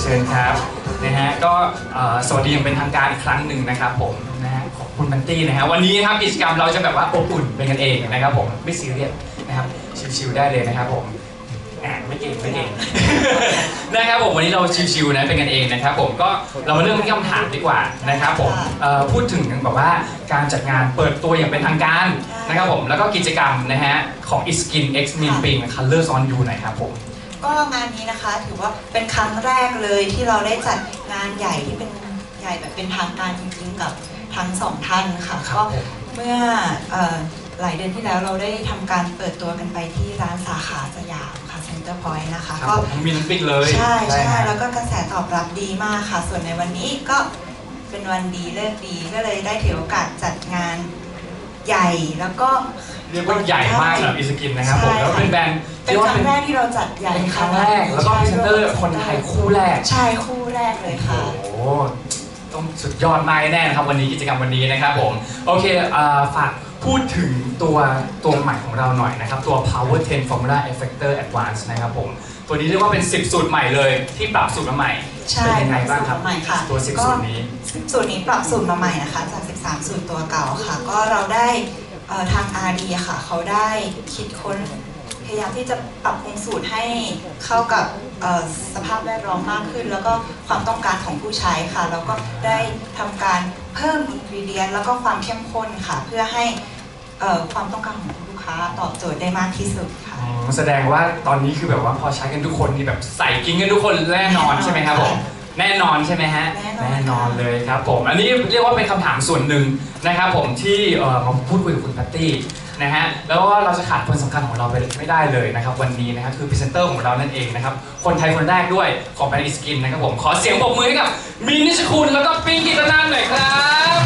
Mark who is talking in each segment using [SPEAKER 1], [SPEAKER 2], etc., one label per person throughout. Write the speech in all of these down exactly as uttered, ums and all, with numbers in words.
[SPEAKER 1] เชิญครับนะฮะก็สวัสดีอย่างเป็นทางการอีกครั้งหนึ่งนะครับผมนะฮะขอบคุณบันตี้นะฮะวันนี้นะครับกิจกรรมเราจะแบบว่าอบอุ่นเป็นกันเองนะครับผมไม่ซีเรียสนะครับชิวๆได้เลยนะครับผมไม่เก่งไม่เก่งนะครับผมวันนี้เราชิวๆนะเป็นกันเองนะครับผมก็เรามาเริ่มที่คำถามดีกว่านะครับผมพูดถึงแบบว่าการจัดงานเปิดตัวอย่างเป็นทางการนะครับผมแล้วก็กิจกรรมนะฮะของ Iskin X Min Ping Colors on You หน่อยครับผม
[SPEAKER 2] ก็งานนี้นะคะถือว่าเป็นครั้งแรกเลยที่เราได้จัดงานใหญ่ที่เป็นใหญ่แบบเป็นทางการจริงๆกับทั้งสองท่านค่ะก็เมื่อหลายเดือนที่แล้วเราได้ทำการเปิดตัวกันไปที่ร้านสาขาสยามค่ะเซ็นเตอร์พอยต์นะคะ
[SPEAKER 1] ก็มีน้ำปิกเลย
[SPEAKER 2] ใช่ใช่แล้วก็กระแสตอบรับดีมากค่ะส่วนในวันนี้ก็เป็นวันดีเลิกดีก็เลยได้ถือโอกาสจัดงานใหญ่แล้วก็
[SPEAKER 1] เรียกว่าใหญ่มากสำหรับ Iskin นะครับผมแล้วเป็นแบรนด์
[SPEAKER 2] เป็นครั้งแรกที่เราจัดใหญ่
[SPEAKER 1] เป็นครั้งแรกแล้วก็พรีเซนเตอร์คนไทยคู่แรก
[SPEAKER 2] ใช่คู่แรกเลยค่ะ
[SPEAKER 1] โอ้ต้องสุดยอดมากแน่นะครับวันนี้กิจกรรมวันนี้นะครับผมโอเคฝากพูดถึงตัวตัวใหม่ของเราหน่อยนะครับตัว Power เท็น Formula Effector Advance นะครับผมตัวนี้เรียกว่าเป็นสิบสูตรใหม่เลยที่ปรับสูตรมาใหม่เป็นยังไงบ้างครับตัวสิบสูตรนี้
[SPEAKER 2] สูตรนี้ปรับสูตรมาใหม่นะคะจากสิบสามสูตรตัวเก่าค่ะก็เราได้ทาง อาร์ ดี ค่ะเขาได้คิดค้นพยายามที่จะปรับปรุงสูตรให้เข้ากับสภาพแวดล้อมมากขึ้นแล้วก็ความต้องการของผู้ใช้ค่ะแล้วก็ได้ทำการเพิ่มอินกรีเดียนแล้วก็ความเข้มข้นค่ะเพื่อให้ความต้องการของลูกค้าตอบโจทย์ได้มากที่สุดค่ะ
[SPEAKER 1] แสดงว่าตอนนี้คือแบบว่าพอใช้กันทุกคนนี่แบบใส่กินกันทุกคนแน่นอนใช่ไหมครับผมแน่นอนใช่ไหมฮะแน่นอนเลยครับผมอันนี้เรียกว่าเป็นคำถามส่วนหนึ่งนะครับผมที่มาพูดคุยกับคุณแพตตี้นะฮะแล้วก็เราจะขาดคนสำคัญของเราไปไม่ได้เลยนะครับวันนี้นะครับคือพรีเซนเตอร์ของเรานั่นเองนะครับคนไทยคนแรกด้วยของแบรนด์ Iskin นะครับผมขอเสียงปรบมือให้กับมินนิชคุณแล้วก็ปิงกิตนันท์หน่อยครับ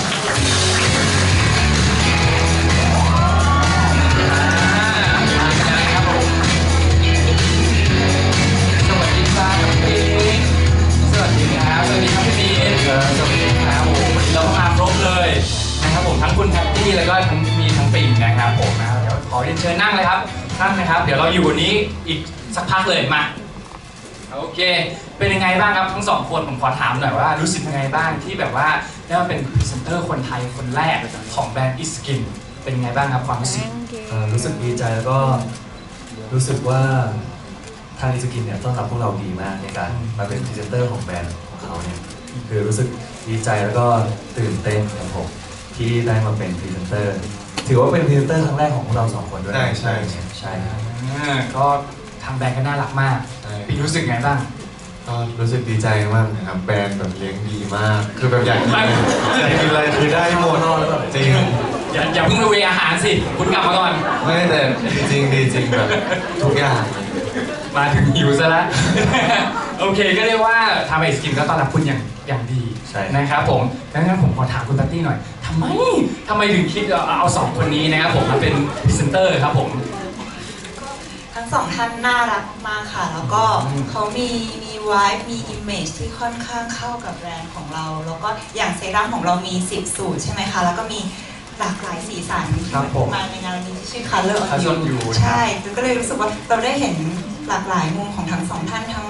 [SPEAKER 1] สวัสดีครับปิงสวัสดีครับสวัสดีครับพี่มินสวัสดีครับโอ้วันนี้เรามาครบเลยนะครับผมทั้งคุณแพตตี้แล้วก็ทั้งมีทั้งปิงนะครับผมนะครับเดี๋ยวขอเรียนเชิญนั่งเลยครับท่านนะครับเดี๋ยวเราอยู่วันนี้อีกสักพักเลยมาโอเคเป็นยังไงบ้างครับทั้งสองคนผมขอถามหน่อยว่ารู้สึกยังไงบ้างที่แบบว่าได้มาเป็นพรีเซนเตอร์คนไทยคนแรกของแบรนด์ Iskin เป็นยังไงบ้างครับความรู้สึก
[SPEAKER 3] รู้สึกดีใจแล้วก็รู้สึกว่าทาง Iskin เนี่ยต้อนรับพวกเราดีมากในการมาเป็นพรีเซนเตอร์ของแบรนด์ของเขาเนี่ยคือรู้สึกดีใจแล้วก็ตื่นเต้นครับผมที่ได้มาเป็นพรีเซนเตอร์ถือว่าเป็นพรีเซนเตอร์ครั้งแรกของพวกเราสองคนด้วย
[SPEAKER 4] ใช่ใช่
[SPEAKER 3] ใช่
[SPEAKER 1] ก็ทางแบรนด์ก็น่ารักมากพี่รู้สึกไงบ้าง
[SPEAKER 4] ก็รู้สึกดีใจมากนะครับแบรนด์แบบเลี้ยงดีมากคือแบบอยากกินอยากกินอะไรคือได้หมดจริง
[SPEAKER 1] อย่าอย่าเพิ่งไปเวอาหารสิคุณกลับมาก่อน
[SPEAKER 4] ไม่แต่จริงดีจริงแบบทุกอย่าง
[SPEAKER 1] มาถึงหิวซะแล้วโอเคก็เรียกว่าทางIskinก็ต้อนรับคุณอย่างอย่างดีนะครับผมดังนั้นผมขอถามคุณแพตตี้หน่อยทำไมทำไมถึงคิดเอาสองคนนี้นะครับผมมาเป็นพรีเซนเตอร์ครับผม
[SPEAKER 2] ทั้งสองท่านน่ารักมากค่ะแล้วก็เขามีมีไวท์มีอิมเมจที่ค่อนข้างเข้ากับแบรนด์ของเราแล้วก็อย่างเซรั่มของเรามีสิบสูตรใช่ไหมคะแล้วก็มีหลากหลายสีสันมาในงานนี้ที่ชื่อ Color on You ใช่ก็เลยรู้สึกว่าเราได้เห็นหลากหลายมุมของทั้งสองท่านทั้ง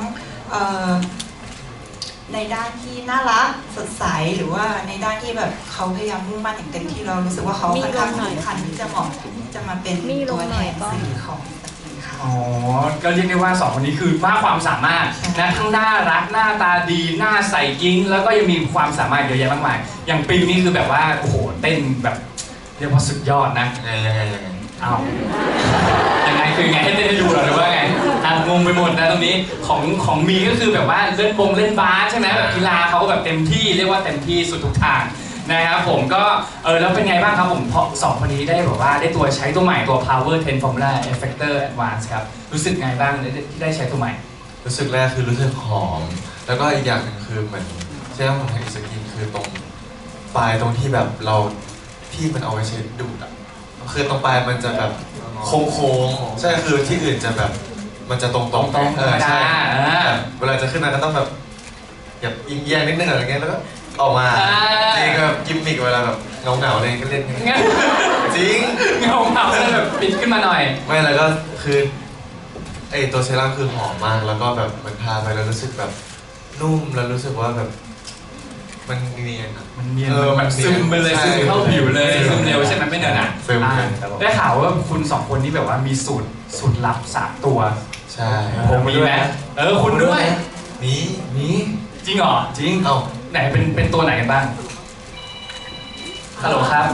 [SPEAKER 2] ในด้านที่น่ารักสดใสหรือว่าในด้านที่แบบเขาพยายามมุ่งมั่นอย่างเต็มที่เรารู้สึกว่าเขาค่อนข้างสำคัญที่จะเหมาะจะมาเป็นตัวแทนสื่อของ
[SPEAKER 1] อ๋อก็เรียกได้ว่าสองคนนี้คือมากความสามารถนะทั้งน่ารักหน้าตาดีหน้าใสกิ้งแล้วก็ยังมีความสามารถเยอะแยะมากมายอย่างปิงนี่คือแบบว่าโอ้โหเต้นแบบเรียกว่าสุดยอดนะ
[SPEAKER 4] ยังไงยังไงยังไง
[SPEAKER 1] อ้าวยังไงคือไงให้เต้นให้ดูหรือว่าไงอ่ะงงไปหมดนะตรงนี้ของของมีก็คือแบบว่าเล่นบงเล่นบาสใช่ไหมแบบกีฬาเขาก็แบบเต็มที่เรียกว่าเต็มที่สุดทุกทางนะครับผมก็เออแล้วเป็นไงบ้างครับผมพอสองคนนี้ได้แบบว่าได้ตัวใช้ตัวใหม่ตัว Power เท็น Formula Effector Advance ครับรู้สึกไงบ้างที่ได้ใช้ตัวใหม่
[SPEAKER 4] รู้สึกแรกคือรู้สึกหอมแล้วก็อีกอย่างหนึ่งคือเหมือนเซรั่มของทาง Iskinคือตรงปลายตรงที่แบบเราที่มันเอาไว้ใช้ดูดอ่ะคือตรงปลายมันจะแบบโค้งๆใช่คือที่อื่นจะแบบมันจะตรงๆเออใช่เวลาจะขึ้นมาก็ต้องแบบแบบยิงแยงนิดนึงอะไรเงี้ยแล้วก็ออกมาจริงแบบกิมมิกเวลาแบบเงาเงาอะไรก็เล่นจริง
[SPEAKER 1] เงาเงาแล้วแบบปิดขึ้นมาหน่อย
[SPEAKER 4] ไม่แล้วก็คือไอตัวเซรั่มคือหอมมากแล้วก็แบบมันทาไปแล้วรู้สึกแบบนุ่มแล้วรู้สึกว่าแบบมันเนียนอะ
[SPEAKER 1] มันเนียน
[SPEAKER 4] เออ
[SPEAKER 1] มันซึมไปเลย
[SPEAKER 4] ใช่
[SPEAKER 1] ซึมเข้าผิวเลยซึมเร็วใช่ไหมไม่เนินอ่ะ
[SPEAKER 4] ซึม
[SPEAKER 1] อ่า
[SPEAKER 4] เลยครับผม
[SPEAKER 1] ได้ข่าวว่าคุณสองคนนี้แบบว่ามีสูตรสูตรลับสามตัว
[SPEAKER 4] ใช่
[SPEAKER 1] ผมมีไหมเออคุณด้วย
[SPEAKER 4] นี้
[SPEAKER 3] นี่
[SPEAKER 1] จริงเหรอ
[SPEAKER 3] จริง
[SPEAKER 4] เอ้า
[SPEAKER 1] ไหนเป็นเป็นตัวไหนกันบ้างฮัลโหลครับ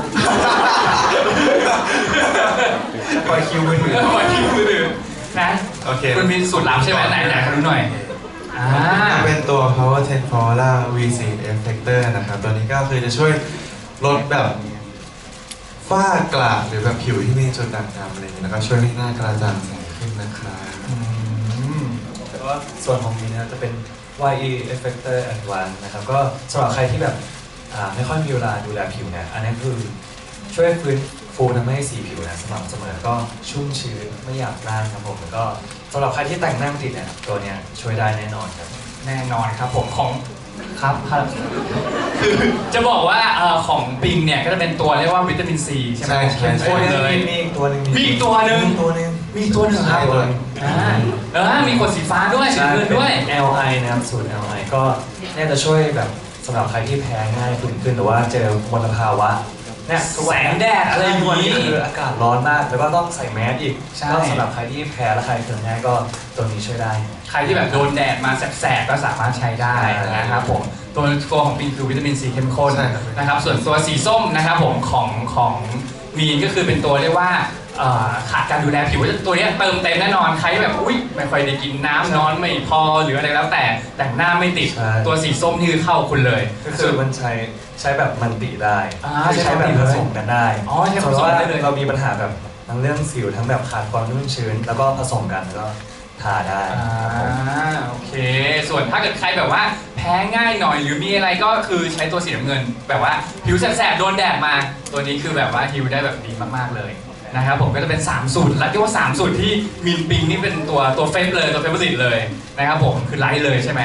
[SPEAKER 3] ปล่อยคิวมือถือ
[SPEAKER 1] ขอคิวมือถือนะ
[SPEAKER 4] โอเค
[SPEAKER 1] คุณมีสูตรลับใช่ไหมไหนไหนขอดูหน่อยอ่า
[SPEAKER 4] เป็นตัว Power สิบ Flora วี โฟร์ Effector นะครับ ตัวนี้ก็คือจะช่วยลดแบบฝ้ากระหรือแบบผิวที่มีจุดด่างดำอะไรอย่างนี้แล้วก็ช่วยให้หน้ากระจ่างใสขึ้นนะครับ
[SPEAKER 1] อืม
[SPEAKER 3] แล้วก็ส่วนของมีนะจะเป็น วาย อี Effector Advanced นะครับก็สำหรับใครที่แบบอ่าไม่ค่อยมีเวลาดูแลผิวเนี่ยอันนี้คือช่วยฟื้นฟูทำให้สีผิวนะสม่ำเสมอก็ชุ่มชื้นไม่หยาบกร้านครับผมแล้วก็สำหรับใครที่แต่งหน้าไม่ติดเนี่ยตัวเนี้ยช่วยได้แน่นอนครับ
[SPEAKER 1] แน่นอนครับผมของครับครับคือจะบอกว่าเอ่อของปิงเนี่ยก็จะเป็นตัวเรียกว่าวิตามินซีใช่ไหม
[SPEAKER 4] ใช่ใช่
[SPEAKER 1] เข้มข้นเลย
[SPEAKER 3] มีอีกตัวหนึ่ง
[SPEAKER 1] มีอีกตัวหนึ่ง
[SPEAKER 3] มีตัวหนึง
[SPEAKER 1] มีตัวหนึ่งครับ
[SPEAKER 3] ใช่ตัวหนึ่ง
[SPEAKER 1] อ่าเออมีขวดสีฟ้าด้วยสี
[SPEAKER 3] ใช่
[SPEAKER 1] เงินด้วย
[SPEAKER 3] เป็น แอล ไอ นะครับสูตร แอล ไอ ก็เนี่ยจะช่วยแบบสำหรับใครที่แพ้ง่ายขึ้นขึ้นหรือว่าเจอมลภาวะเนี่ยทุกวัน
[SPEAKER 1] แสงแดดอะไรอย่างนี้
[SPEAKER 3] ทุกวันนี้คืออากาศร้อนมากแล้วก็ต้องใส่แมสอีก
[SPEAKER 1] ใช่
[SPEAKER 3] ก็สำหรับใครที่แพ้และใครเคืองง่ายก็ตัวนี้ช่วยได้
[SPEAKER 1] ใครที่แบบโดนแดดมาแสบๆก็สามารถใช้ได้นะครับผมตัวตัวของปิงคือวิตามินซีเข้มข้น
[SPEAKER 4] ใช่ครับ
[SPEAKER 1] นะครับส่วนตัวสีส้มนะครับผมของของมีนก็คือเป็นตัวเรียกว่าเอ่อขาดการดูแลผิวตัวเนี้ยเติมเต็มแน่นอนใครแบบอุ้ยไม่ค่อยได้กินน้ำนอนไม่พอหรืออะไรแล้วแต่แต่งหน้าไม่ติด
[SPEAKER 3] ใช่
[SPEAKER 1] ตัวสีส้มนี่คือเข้าคุณเลย
[SPEAKER 3] ก็คือมันใช้ใช้แบบมันติได้
[SPEAKER 1] อ่า
[SPEAKER 3] คือใช้แบบ
[SPEAKER 1] ใช้
[SPEAKER 3] ผ
[SPEAKER 1] แบบ
[SPEAKER 3] สมกันได้
[SPEAKER 1] อ๋อใช้ผสม
[SPEAKER 3] เพราะว่า
[SPEAKER 1] ได้เลย
[SPEAKER 3] เรามีปัญหาแบบทั้งเรื่องสิวทั้งแบบขาดความนุ่มชื้น แล้วก็ผสมกันแล้วก็ทาได้
[SPEAKER 1] อ่า
[SPEAKER 3] ครับผม
[SPEAKER 1] โอเค ส่วนถ้าเกิดใครแบบว่าแพ้ง่ายหน่อยหรือมีอะไรก็คือใช้ตัวสีน้ำเงิน แบบว่าผิวแสบๆโดนแดดมา ตัวนี้คือแบบว่าฮิวได้แบบดีมากๆเลยนะครับผมก็จะเป็นสามสูตรและที่ว่าสามสูตรที่มินปิงนี่เป็นตัวตัวเฟซเลยตัวเฟเวอร์ริตเลยนะครับผมคือไลท์เลยใช่ไหม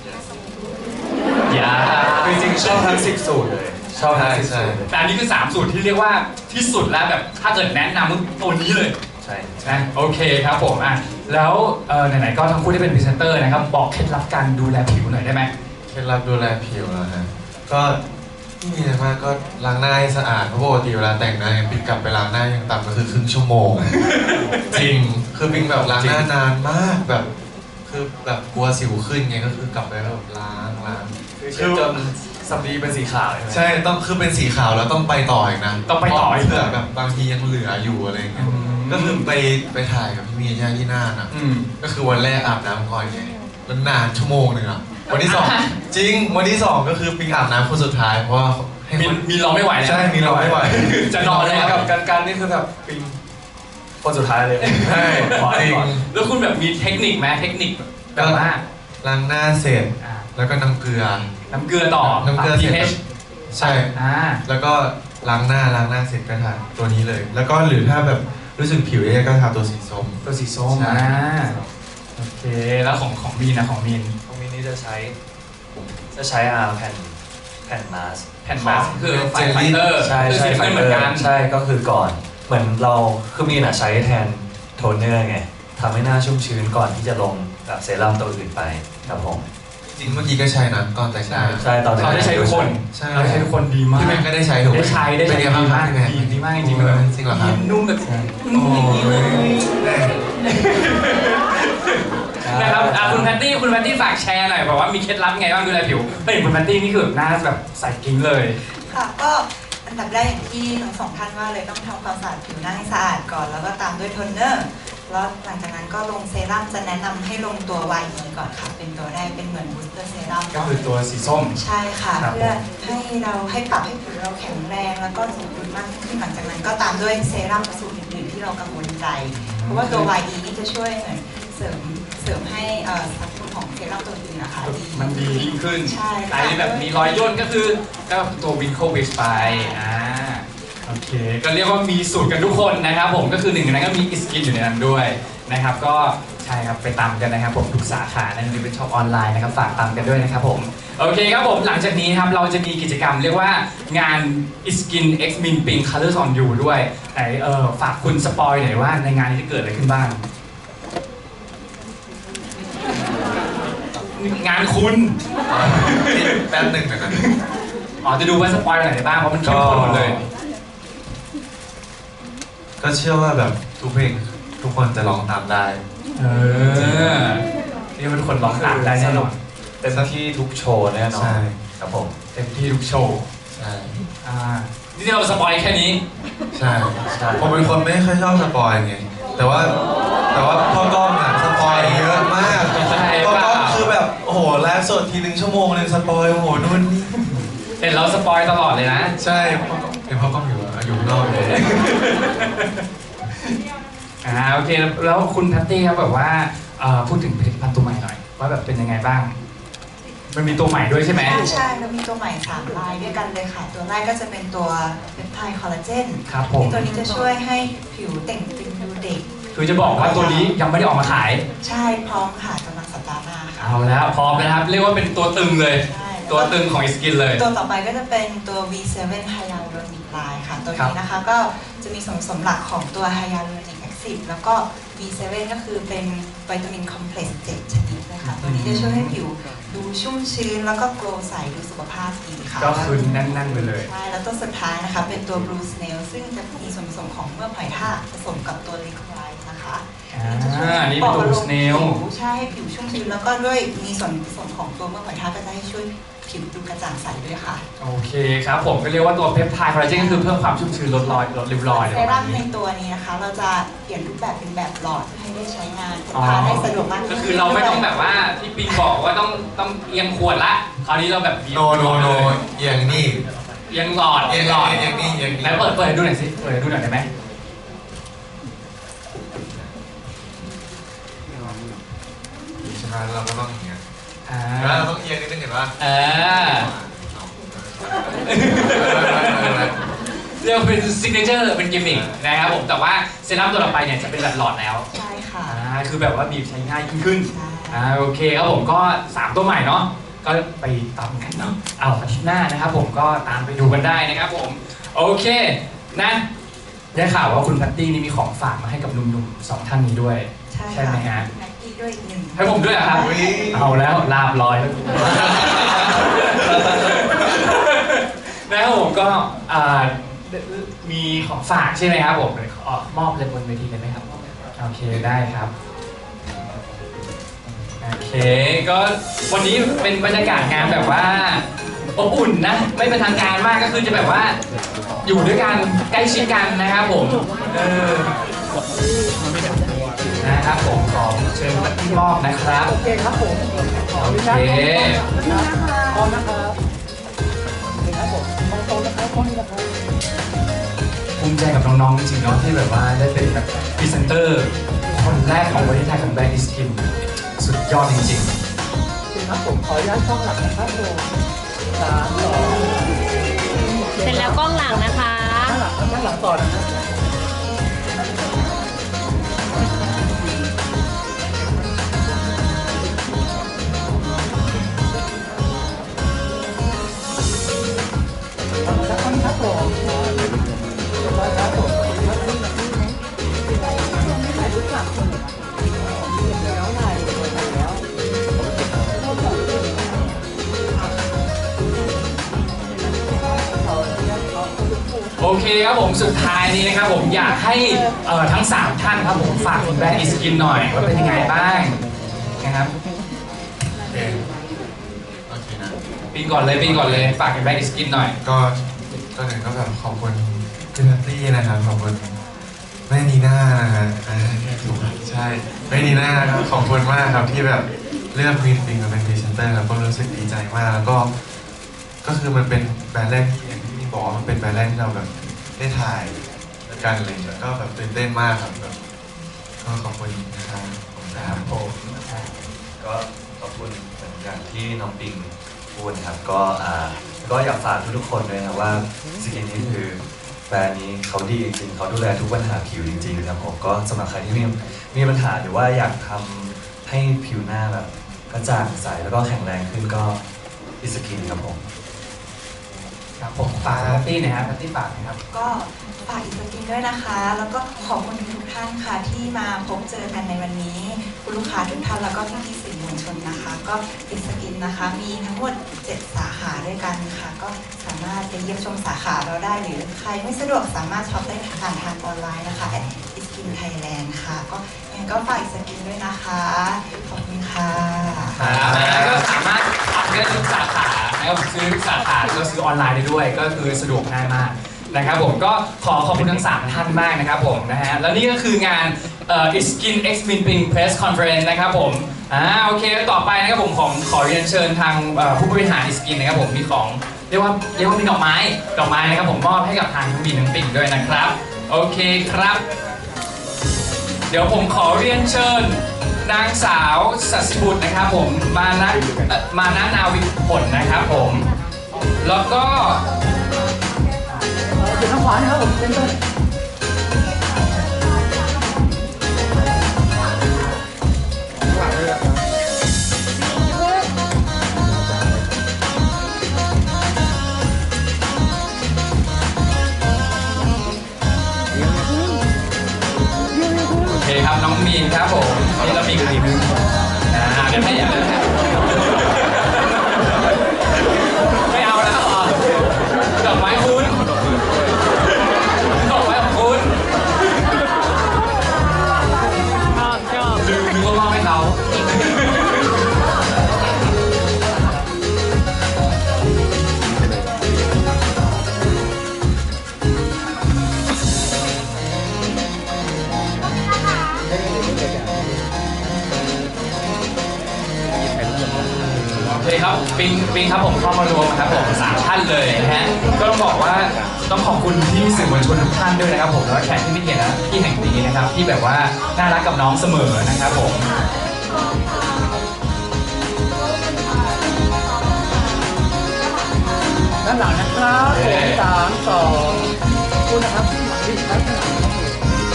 [SPEAKER 1] อย่า
[SPEAKER 3] คือจริงๆชอบทั้งสิบสูตรเลย ชอบทั้งสิบ
[SPEAKER 4] ใช่
[SPEAKER 3] สูตรเลย
[SPEAKER 1] แต่อันนี้คือสามสูตรที่เรียกว่าที่สุดแล้วแบบถ้าเกิดแนะนำก็ตัวนี้เลย
[SPEAKER 3] ใช่
[SPEAKER 1] นะโอเคครับผมอ่ะแล้วเอ่อไหนๆก็ทั้งคู่ได้เป็นพรีเซนเตอร์นะครับบอกเคล็ดลับการดูแลผิวหน่อยได้ไหม
[SPEAKER 4] เคล็ดลับดูแลผิวนะฮะก็ไม่มีอะไรมากก็ล้างหน้าให้สะอาดเพราะปกติเวลาแต่งหน้าเนี่ยปิงกลับไปล้างหน้ายังต่ำก็คือครึ่งชั่วโมง จริงคือปิงแบบล้างหน้านานมากแบบ คือแบบกลัวสิวขึ้นไงก็คือกลับไปแล้วแบบล้างล้าง
[SPEAKER 3] คือเช็ดจนสำลีเป็นสีขาวใช่ไหม
[SPEAKER 4] ใช่ต้องคือเป็นสีขาวแล้วต้องไปต่ออีกนะ
[SPEAKER 1] ต้องไปต่ออีก
[SPEAKER 4] เผื่อแบบบางทียังเหลืออยู่อะไรอย่างเงี้ยก็คือไปไปถ่ายกับพี่มีย่าที่น่านอ่ะ
[SPEAKER 1] อืม
[SPEAKER 4] ก็คือวันแรกอาบน้ำก่อนไงแล้วนานชั่วโมงหนึ่งอ่ะวันที่สองจริงวันที่สองก็คือปิงอาบน้ำคนสุดท้ายเพราะว่าให้
[SPEAKER 1] มี
[SPEAKER 4] คน
[SPEAKER 1] มีรอไม่ไหวแล้ว
[SPEAKER 4] ใช่มีเราไม่ไหว
[SPEAKER 1] จะนอนเลย
[SPEAKER 3] กั
[SPEAKER 1] กั
[SPEAKER 3] บบ การการนี่คือแบบปิงคนสุดท้ายเลย
[SPEAKER 4] ใช่
[SPEAKER 3] ขอ
[SPEAKER 4] จริง
[SPEAKER 3] ก่อน
[SPEAKER 1] แล้วคุณแบบมีเทคนิคไหมเทคนิคแบบว่า
[SPEAKER 4] ล้างหน้าเสร็จ
[SPEAKER 1] อ่า
[SPEAKER 4] แล้วก็น้ำเกลือ
[SPEAKER 1] น้ำเกลือต่อ
[SPEAKER 4] น้ำเกลือ
[SPEAKER 1] ปรับ
[SPEAKER 4] เสร็จ
[SPEAKER 1] pH
[SPEAKER 4] ใช่
[SPEAKER 1] อ่า
[SPEAKER 4] แล้วก็ล้างหน้าล้างหน้าเสร็จก็ทาตัวนี้เลย แล้วก็หรือถ้าแบบรู้สึกผิวแย่ก็ทาตัวสีส้ม
[SPEAKER 1] ตัวสีส้ม
[SPEAKER 4] ใช่
[SPEAKER 1] อ่าโอเคแล้วของของมีนนะของมีน
[SPEAKER 3] ตรงนี้นี่จะใช้ จะใช้อาแผ่นแผ่นมาส
[SPEAKER 1] แผ่นมาสก์คือไฟ
[SPEAKER 4] เจลลี่
[SPEAKER 1] ไฟเตอร์
[SPEAKER 3] ใช่
[SPEAKER 1] คือ
[SPEAKER 3] ใช่
[SPEAKER 1] สี
[SPEAKER 3] ไฟ
[SPEAKER 1] น้ำเงินเหมือน
[SPEAKER 3] เตอ
[SPEAKER 1] กัน
[SPEAKER 3] ร์ใช่ก็คือก่อนเหมือนเราคือมีน่ะใช้แทนโทนเนอร์ไงทำให้หน้าชุ่มชื้นก่อนที่จะลงแบบเซรั่มตัวอื่นไปครับผม
[SPEAKER 4] จริงเมื่อกี้ก็ใช้นะก่อนแต่งหน้า
[SPEAKER 3] ใช่ตอน
[SPEAKER 1] เราได้ใช้ทุกคน
[SPEAKER 4] ใช่
[SPEAKER 1] เราได้ใช้ทุกคนดีมาก
[SPEAKER 4] พี่แม่ก็ได้ใช้ถูกไหม
[SPEAKER 1] ได้ใช้ได้ใช้
[SPEAKER 4] เป็นไงบ้าง
[SPEAKER 1] ดีมาก
[SPEAKER 4] เป็นไง
[SPEAKER 1] ดีดีมากจริงๆมันแบบ
[SPEAKER 4] จริงเหรอครับ
[SPEAKER 1] นุ่มแบบ
[SPEAKER 4] โอ้ย
[SPEAKER 1] นะครับอ่ะคุณแพตตี้คุณแพตตี้ฝากแชร์หน่อยบอกว่ามีเคล็ดลับไงบ้างดูแลผิวเฮ้ยคุณแพตตี้นี่คือแบบหน้าแบบใสกิ้งเลย
[SPEAKER 2] ค่ะก็อันดับแรกอย่างที่ทั้งสองท่านว่าเลยต้องทำความสะอาดผิวหน้าให้สะอาดก่อน แล้วก็ตามด้วยโทนเนอร์แล้วหลังจากนั้นก็ลงเซรั่มจะแนะนำให้ลงตัว วาย อี ก่อนค่ะ เป็นตัวแรกเป็นเหมือนบูสเตอร์เซรั่ม
[SPEAKER 1] ก็
[SPEAKER 2] เนาะ
[SPEAKER 1] คือตัวสีส้ม
[SPEAKER 2] ใช่ค่ะ
[SPEAKER 1] ครับ
[SPEAKER 2] เพื่อให้เราให้ปรับให้ผิวเราแข็งแรงแล้วก็สมดุลมากขึ้นหลังจากนั้นก็ตามด้วยเซรั่มสูตรอื่นๆที่เรากังวลใจ เพราะว่าตัว วาย อี นี่จะช่วยเหมือนเสริมเสริมให้เอ่อสรรพคุณของเซรั่มตัวอื่นนะคะดี
[SPEAKER 1] มันดียิ่งขึ้น
[SPEAKER 2] ใช่
[SPEAKER 1] ใครแบบมีรอยย่นก็คือก็ตัววินโควิชไปอ่าโอเค ก็เรียกว่ามีสูตรกันทุกคนนะครับผมก็คือหนึ่งในนั้นก็มีอิสกินอยู่ในนั้นด้วยนะครับก็ใช่ครับไปตามกันนะครับผมทุกสาขาในนี้เป็นช็อปออนไลน์นะครับฝากตามกันด้วยนะครับผมโอเคครับผมหลังจากนี้ครับเราจะมีกิจกรรมเรียกว่างาน Iskin X Min Ping Colors on You ด้วยไหนเออฝากคุณสปอยหน่อยว่าในงานนี้จะเกิดอะไรขึ้นบ้างงานคุณ
[SPEAKER 4] แป๊บหนึ่งนะครับ
[SPEAKER 1] อ๋อจะดูว่าสปอยล์ไหนได้บ้างเพราะมันเข้มข้นหมดเลย
[SPEAKER 4] ก็เชื่อว่าแบบทุกเพลงทุกคนจะร้องตามได้
[SPEAKER 1] เออนี่มันคนร้องตามได้แน่นอน
[SPEAKER 3] เต็มที่ทุกโชว์แน่นอน
[SPEAKER 4] ใช่
[SPEAKER 3] ครับผม
[SPEAKER 1] เต็มที่ทุกโชว์
[SPEAKER 4] ใช่
[SPEAKER 1] อ่านี่เราสปอยล์แค่นี้
[SPEAKER 4] ใช่
[SPEAKER 3] ใช่
[SPEAKER 4] ผมเป็นคนไม่ค่อยชอบสปอยไงแต่ว่าแต่ว่าพ่อกล้องอ่ะสปอยเยอะมาก
[SPEAKER 1] ใช่
[SPEAKER 4] พ่อกล้อง
[SPEAKER 1] เปล่า
[SPEAKER 4] คือแบบโอ้โหไลฟ์สดทีหนึ่งชั่วโมงหนึ่งสปอยโอ้โหนู่นนี่
[SPEAKER 1] เห็นเราสปอยล์ตลอดเลยนะ
[SPEAKER 4] ใช่พ่อกล้องเห็นพ่อกล้องอยู่อะอยู่ข้างนอกเลย
[SPEAKER 1] อ่าโอเคแล้วคุณแพตตี้ครับแบบว่าเอ่อพูดถึงผลิตภัณฑ์ตัวใหม่หน่อยว่าแบบเป็นยังไงบ้าง มันมีตัวใหม่ด้วยใช่ไหม
[SPEAKER 2] ใช่ใช่เรามีตัวใหม่สามลายด้วยกันเลยค่ะ ตัวแรกก็จะเป็นตัวเปปไทด์คอลลาเจน
[SPEAKER 1] ครับผม
[SPEAKER 2] ตัวนี้จะช่วยให้ผิวเต่งตึงดูเด็ก
[SPEAKER 1] คือจะบอกว่าตัวนี้ยังไม่ได้ออกมาขาย
[SPEAKER 2] ใช่พร้อมค่ะกำลังสัปดาห์หน้าค่ะ
[SPEAKER 1] เอาแล้วพร้อมแล้วนะครับ เรียกว่าเป็นตัวตึงเลย
[SPEAKER 2] ใช่
[SPEAKER 1] ตัวตึงของอิสกินเลย
[SPEAKER 2] ตัวต่อไปก็จะเป็นตัว วี เซเว่น Hyaluronic Line ค่ะ ตัว
[SPEAKER 1] ครับ
[SPEAKER 2] นี้นะคะก็จะมีส่วนผสมหลักของตัว Hyaluronic Acid แล้วก็ วี เซเว่น ก็คือเป็นวิตามินคอมเพล็กซ์เจ็ดชนิดนะคะ ตัวนี้จะช่วยให้ผิวดูชุ่มชื้นแล้วก็โกลว์ใสดูสุขภาพดีค่ะ
[SPEAKER 1] ก็คือแน่นๆไปเลย
[SPEAKER 2] ใช่ แล้วตัวสุดท้ายนะคะ เป็นตัว Blue Snail ซึ่งจะมีส่วนผสมของเมือกหอยทากผสมกับตัวลิโคไลท์นะคะ
[SPEAKER 1] อ่านี่เป็นตัว Blue Snail
[SPEAKER 2] ผิวใช่ให้ผิวชุ่มชื้นแล้วก็ด้วยมีส่วนผสมของตัวเมือกหอยทากก็จะให้ช่วยผิวดูกระจ่างใสด้วยค่ะ
[SPEAKER 1] โอเคครับผมก็เรียกว่าตัวเพปไทด์คอลลาเจนก็คือเพิ่มความชุ่มชื้นลดรอยลดริ้วรอย
[SPEAKER 2] เซ
[SPEAKER 1] อะไรประ
[SPEAKER 2] รั่
[SPEAKER 1] มาม ณ
[SPEAKER 2] ใน
[SPEAKER 1] นี้
[SPEAKER 2] ตัวนี้นะคะ เราจะเปลี่ยนรูปแบบเป็นแบบหลอดเพื่อให้ได้ใช้งาน
[SPEAKER 1] อ๋อ
[SPEAKER 2] ทานได้สะดวกมาก
[SPEAKER 1] ก็คือเราไม่ต้องแบบว่าที่ปิงบอกว่าต้องต้องเอียงขวดละคราวนี้เราแบบบีบ
[SPEAKER 4] โนโนโนอย่างนี้
[SPEAKER 1] เอียงหลอด
[SPEAKER 4] เอียง
[SPEAKER 1] หลอด
[SPEAKER 4] อย่างนี้อย่างนี้
[SPEAKER 1] ไหนเปิดเปิดให้ดูหน่อยสิเปิดให้ดูหน่อยได้ไหม
[SPEAKER 4] ใช่ไหมเราก็ต้องอย่างเงี้ย
[SPEAKER 1] อ่า
[SPEAKER 4] แล้วเราต้องเอียงนิดนึงเห็นป่ะ
[SPEAKER 1] เออเรียกว่าเป็นซิกเนเจอร์เป็นกิมมิคนะครับผมแต่ว่าเซรั่มตัวต่อไปเนี่ยจะเป็นแบบหลอดแล้ว
[SPEAKER 2] ใช่ค่ะ
[SPEAKER 1] อ่าคือแบบว่าบีบใช้ง่ายยิ่งขึ้น
[SPEAKER 2] ใช่
[SPEAKER 1] อ่าโอเคครับผมก็สามตัวใหม่เนาะก็ไปตามกันเนาะเอาอาทิตย์หน้านะครับผมก็ตามไปดูกันได้นะครับผมโอเคนะได้ข่าวว่าคุณแพตตี้นี่มีของฝากมาให้กับหนุ่มๆสองท่านนี้ด้วย
[SPEAKER 2] ใช่
[SPEAKER 1] ใช่ไหมฮะ
[SPEAKER 2] แม็กกี้ด้วยอีกหนึ่ง
[SPEAKER 1] ให้ผมด้วยเหรอครับ
[SPEAKER 4] อุ๊ย
[SPEAKER 1] เอาแล้วลาบลอยแล้วนะครับผมก็อ่ามีของฝากใช่ไหมครับผมขอมอบเลยบนเวทีเลยไหมครับโอเคได้ครับโอเคก็วันนี้เป็นบรรยากาศงานแบบว่าอบอุ่นนะไม่เป็นทางการมากก็คือจะแบบว่าอยู่ด้วยกันใกล้ชิดกันนะครับผมเออนะครับผมขอเชิญมาที่มอบนะครับ
[SPEAKER 5] โอเคครับผม
[SPEAKER 1] โอเค
[SPEAKER 5] พร้อมนะครับนี่ครับผมมองตรงนะครับข้อนี้นะครับ
[SPEAKER 1] ภูมิใจกับน้องๆจริงๆเนาะที่แบบว่าได้เป็นแบบพรีเซนเตอร์คนแรกของประเทศไทยของแบรนด์อิสกินสุดยอดจริง
[SPEAKER 5] โอเคครับผมขออนุญาตช่องหลักนะครับผมสามสอง
[SPEAKER 6] เสร็จแล้วกล้องหลังนะคะ
[SPEAKER 5] ข้างหลังข้างหลังต่อนะครับ ขอบคุณครับครับผมเรียบร้อยครับผมขอบคุณครับนี่นะนี่นะไม่ถ่ายรูปกลับคนเดี๋ยวถ่ายถ่ายแล้ว
[SPEAKER 1] ๆโอเคครับผมสุดท้ายนี้นะครับผมอยากให้เอ่อทั้งสามท่านครับผมฝากถึงแบรนด์อิสกินหน่อยว่าเป็นยังไงบ้างนะครับ
[SPEAKER 4] โอเคโอเคนะ
[SPEAKER 1] ปีก่อนเลยปีก่อนเลยฝากถึงแบรนด์อิสกินหน่อย
[SPEAKER 4] ก็ก็หนึ่งก็แบบขอบคุณพี่นัตตี้นะครับขอบคุณแม่นีน่านะฮะอ่าถูกครับใช่แม่นีน่านะครับขอบคุณมากครับที่แบบเลือกวินปิงมาเป็นพรีเซนเตอร์ครับก็รู้สึกดีใจมากแล้วก็ ก็คือมันเป็นแบรนด์แรกที่อย่างที่พี่บอกว่ามันเป็นแบรนด์แรกที่เราแบบได้ถ่ายกันอะไรอย่างเงี้ยก็แบบตื่นเต้นมากครับแบบก็ขอบคุณนะครับขอบคุณครับ
[SPEAKER 3] ผมก็ขอบคุณเหมือนอย่างที่น้องปิงพูดนะครับก็อ่าก็อยากฝากทุกๆคนด้วยนะว่าสกินนี้คือแบรนด์นี้เขาดีจริงๆเขาดูแลทุกปัญหาผิวจริงๆครับผมก็สำหรับใครที่มีมีปัญหาหรือว่าอยากทำให้ผิวหน้าแบบกระจ่างใสแล้วก็แข็งแรงขึ้นก็อิสกินครับผม
[SPEAKER 1] ครับผมฝากแพตตี้หนะครับแพตตี้ฝากนะครับ
[SPEAKER 2] ก็ฝากอีกสกินด้วยนะคะ แล้วก็ขอบคุณทุกท่านค่ะที่มาพบเจอกันในวันนี้ คุณลูกค้าทุกท่านแล้วก็พี่พี่ๆสื่อมมวลชนนะคะ ก็อิสกินนะคะมีทั้งหมดเจ็ดสาขาด้วยกันค่ะก็สามารถไปเยี่ยมชมสาขาเราได้หรือใครไม่สะดวกสามารถช็อปได้ผ่านทางออนไลน์นะคะอิสกินไทยแลนด์ค่ะก็ยังไงก็ฝากอิสกินด้วยนะคะขอบคุณค่ะ
[SPEAKER 1] ครับแล้วก็สามารถทำได้ทุกสาขานะครับซื้อทุกสาขาก็ซื้อออนไลน์ได้ด้วย ก็คือสะดวกง่ายมากนะครับผมก็ขอขอบคุณทั้งสามท่านมากนะครับผมนะฮะแล้วนี่ก็คืองานเอ่อ Skin X Minping Press Conference นะครับผมอ่าโอเคแล้วต่อไปนะครับผมของขอเรียนเชิญทางเอ่อผู้บริหาร Skin นะครับผมมีของเรียกว่าเรียกว่ามีดอกไม้ดอกไม้นะครับผมมอบให้กับทางทั้งบีทั้งปิ่งด้วยนะครับโอเคครับ เดี๋ยวผมขอเรียนเชิญนางสาวสัสิบุตรนะครับผมมานะเอ่อมานะนาวิผลนะครับผมแล้วก็
[SPEAKER 5] เดี๋ยวทางขวานะครับผมเป็นต้น
[SPEAKER 1] โอเคครับน้องมีนครับผมนี่เรามีใครบ้างอ่าเดี๋ยวให้อย่าเลยไม่เอาแล้วเหรอดอกไม้คุณดอกไม้ของคุณชอบชอบลืมนึกว่ามอบให้เขาโอเคครับปิงปิงครับผมเข้ามารวมครับผมสามท่านเลยนะฮะก็ต้องบอกว่าต้องขอบคุณที่สื่อมวลชนทุกท่านด้วยนะครับผมแล้วก็แขกที่ไม่เกียรตินะที่แห่งนี้นะครับที่แบบว่าน่ารักกับน้องเสมอนะครับผม
[SPEAKER 5] ด้านหลังนะครับผมสามสองคุณนะครับที่หมายเลขด้านหลังครับผม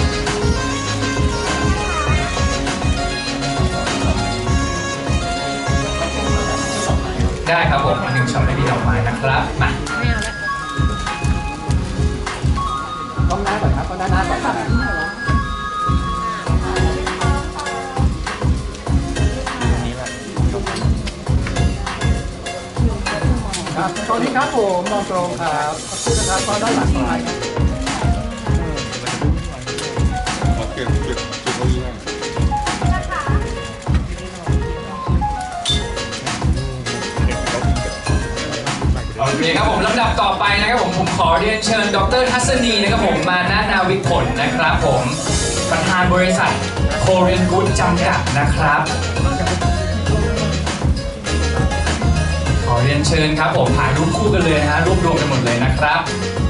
[SPEAKER 1] ได้ครับผมมาถึงช็อปได้ดีดอกไม้นะครับมา
[SPEAKER 6] ไม่เอาละ
[SPEAKER 5] ต้องหน้าก่อนครับต้องด้านหน้าก่อนครับครับตอนนี้ครับผมมองตรงครับขอบคุณนะครับตอนด้านหลังไปครับ
[SPEAKER 7] ขอเก็บเก็บเก็บเก้าอี้ให้
[SPEAKER 1] โอเคครับผมลำดับต่อไปนะครับผมผมขอเรียนเชิญดรทัศนีนะครับผมมานานาวิผลนะครับผมประธานบริษัทโคเรนกูดจำกัดนะครับขอเรียนเชิญครับผมถ่ายรูปคู่กันเลยนะฮะรวบรวมกันหมดเลยนะครับ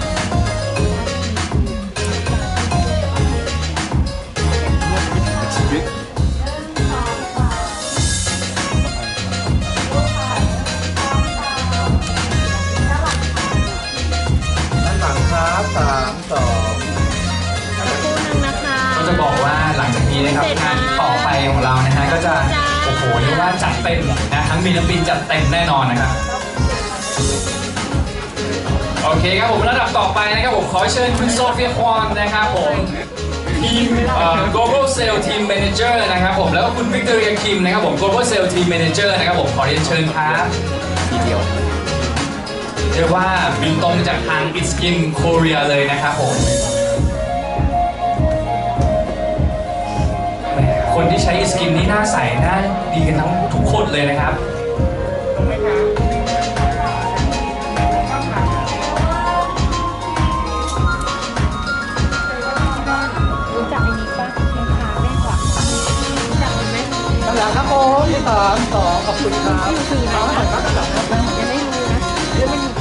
[SPEAKER 5] สามสอง
[SPEAKER 6] คู่หนึ่งนะคะ
[SPEAKER 1] ก็จะบอกว่าหลังจากนี้นะครับงานต่อไปของเรานะฮะก็จะโอ้โหเรียกว่าจัดเต็มนะทั้งมีและปินจัดเต็มแน่นอนนะครับโอเคครับผมระดับต่อไปนะครับผมขอเชิญคุณโซเฟียควอนนะครับผมทีมเอ่อ global sales team manager นะครับผมแล้วก็คุณวิกตอเรียคิมนะครับผม global sales team manager นะครับผมขอเรียนเชิญครับทีเดียวเรียกว่าบินตรงจากทาง It's Skin Korea เลยนะครับผมแหมคนที่ใช้ It's Skin นี่หน้าใสหน้าดีกันทั้งทุกคนเลยนะครับ
[SPEAKER 6] รู้จักไอ้นี้ปะยังพาแม่กว่ารู้จักมันไหม
[SPEAKER 5] ด้านหลังครับผมสามสองขอบคุณครับ
[SPEAKER 6] ที่คืออะไร
[SPEAKER 5] เอาให้หน่อยครับด้านหลังครับ
[SPEAKER 6] ยังไม่รู้นะเรื่องมันอยู่